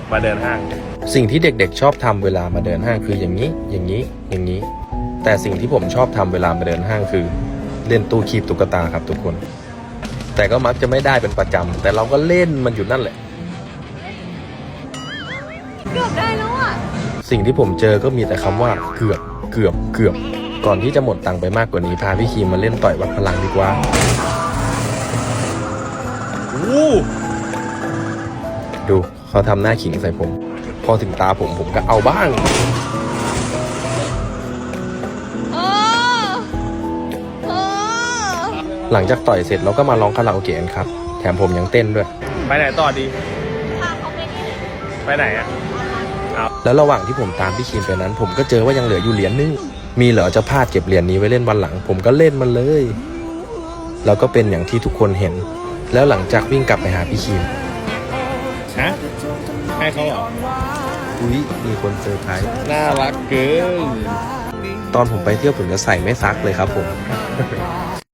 มาเดินห้างสิ่งที่เด็กๆชอบทำเวลามาเดินห้างคืออย่างนี้อย่างนี้อย่างนี้แต่สิ่งที่ผมชอบทำเวลามาเดินห้างคือเล่นตู้คีบตุ๊กตาครับทุกคนแต่ก็มักจะไม่ได้เป็นประจำแต่เราก็เล่นมันอยู่นั่นแหละเกือบได้แล้วอ่ะสิ่งที่ผมเจอก็มีแต่คำว่าเกือบก่อนที่จะหมดตังค์ไปมากกว่านี้พาพี่คีมมาเล่นต่อยวัดพลังดีกว่าดูเขาทำหน้าขิงใส่ผมพอถึงตาผมก็เอาบ้างหลังจากต่อยเสร็จเราก็มาร้องคาราโอเกะกันครับแถมผมยังเต้นด้วยไปไหนต่อดีพาเขาไปนี่ไปไหนอ่ะแล้วระหว่างที่ผมตามพี่คีมไปนั้นผมก็เจอว่ายังเหลืออยู่เหรียญนึงมีเหรอจะพลาดเก็บเหรียญนี้ไว้เล่นวันหลังผมก็เล่นมันเลยแล้วก็เป็นอย่างที่ทุกคนเห็นแล้วหลังจากวิ่งกลับไปหาพี่คีมฮะให้เขาเหรออุ๊ยมีคนเซอร์ไพรส์น่ารักเกินตอนผมไปเที่ยวผมจะใส่ไม่ซักเลยครับผม